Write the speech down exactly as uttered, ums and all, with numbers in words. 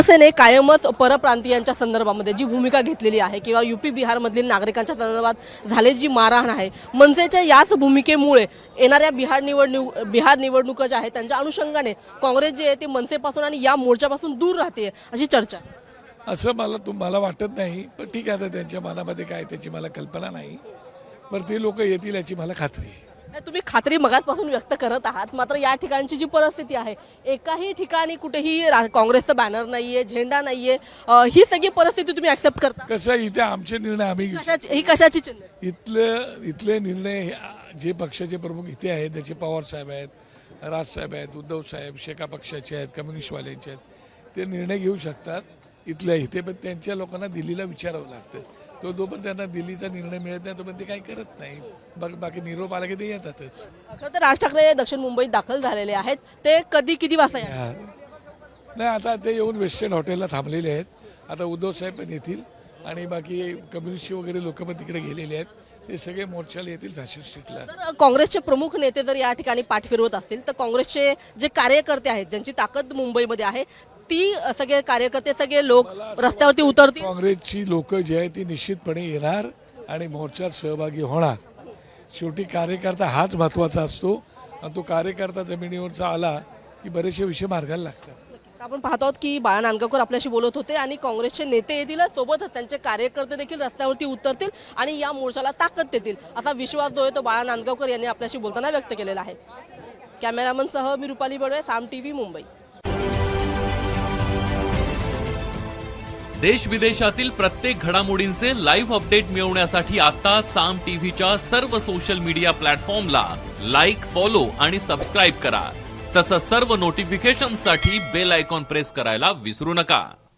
शिवसेने कायमच परप्रांतीयांच्या संदर्भामध्ये जी भूमिका घेतलेली आहे किंवा यूपी बिहारमधील नागरिकांच्या संदर्भात झालेली जी मारहाण आहे, मनसेच्या याच भूमिकेमुळे येणाऱ्या बिहार निवडणूक बिहार निवडणुका ज्या आहेत त्यांच्या अनुषंगाने काँग्रेस जे आहे ते मनसेपासून आणि या मोर्चापासून दूर राहते अशी चर्चा. असं मला तुम्हाला वाटत नाही, पण ठीक आहे, आता त्यांच्या मनामध्ये काय त्याची मला कल्पना नाही, पण ते लोक येतील याची मला खात्री आहे. नाही, तुम्ही खात्री मगाचपासून व्यक्त करत आहात, मात्र या ठिकाणची जी परिस्थिती आहे एकाही ठिकाणी कुठेही रा- काँग्रेसचा बॅनर नाहीये, झेंडा नाहीये, अ, ही सगळी परिस्थिती तुम्ही ऍक्सेप्ट करता? कसं आहे, इथे आमचे निर्णय आम्ही कशाची ही कशाची चिन्ह आहे? इथले इथले निर्णय हे जे पक्षाचे प्रमुख इथे आहेत, त्याचे पवार साहेब आहेत, राजसाहेब आहेत, उद्धव साहेब शेका पक्षाचे आहेत, कम्युनिस्टवाल्यांचे आहेत, ते निर्णय घेऊ शकतात इथल्या इथे, पण त्यांच्या लोकांना दिल्लीला विचारावं लागतं. तो जोपर्यंत त्यांना दिल्लीचा निर्णय मिळत नाही तोपर्यंत ते काही करत नाही. बघ बाकी निरोप आला की ते येतातच. खरं तर राज ठाकरे दक्षिण मुंबईत दाखल झालेले आहेत, ते कधी किती वाजता येणार? हा. नाही, आता ते येऊन वेस्टर्न हॉटेलला थांबलेले आहेत. आता उद्धव साहेब पण येतील आणि बाकी कम्युनिस्ट वगैरे लोक पण तिकडे गेलेले आहेत. ते सगळे मोर्चाला येतील फॅशन स्ट्रीटला. तर काँग्रेसचे प्रमुख नेते जर या ठिकाणी पाठ फिरवत असतील तर काँग्रेसचे जे कार्यकर्ते आहेत ज्यांची ताकद मुंबईमध्ये आहे ती सगळे कार्यकर्ते सगळे लोक रस्त्यावरती उतरतील. काँग्रेसची लोक जी आहेत ती निश्चितपणे येणार आणि मोर्चात सहभागी होणार. शेवटी कार्यकर्ता हाच महत्त्वाचा असतो आणि तो कार्यकर्ता जमिनीवरचा आला की बरेचसे विषय मार्गाला लागतात. आपण पाहतो आहोत की बाळा नांदगावकर आपल्याशी बोलत होते आणि काँग्रेसचे नेते येतील, सोबतच त्यांचे कार्यकर्ते देखील रस्त्यावरती उतरतील आणि या मोर्चाला ताकद देतील असा विश्वास जो आहे तो बाळा नांदगावकर यांनी आपल्याशी बोलताना व्यक्त केलेला आहे. कॅमेरामन सह मी रुपाली बडवे, साम टीव्ही, मुंबई. देश विदेशातील प्रत्येक घडामोडींचे लाईव्ह अपडेट मिळवण्यासाठी आता साम टीव्हीच्या सर्व सोशल मीडिया प्लॅटफॉर्मला लाईक, फॉलो आणि सबस्क्राईब करा. तसंच सर्व नोटिफिकेशनसाठी बेल आयकॉन प्रेस करायला विसरू नका.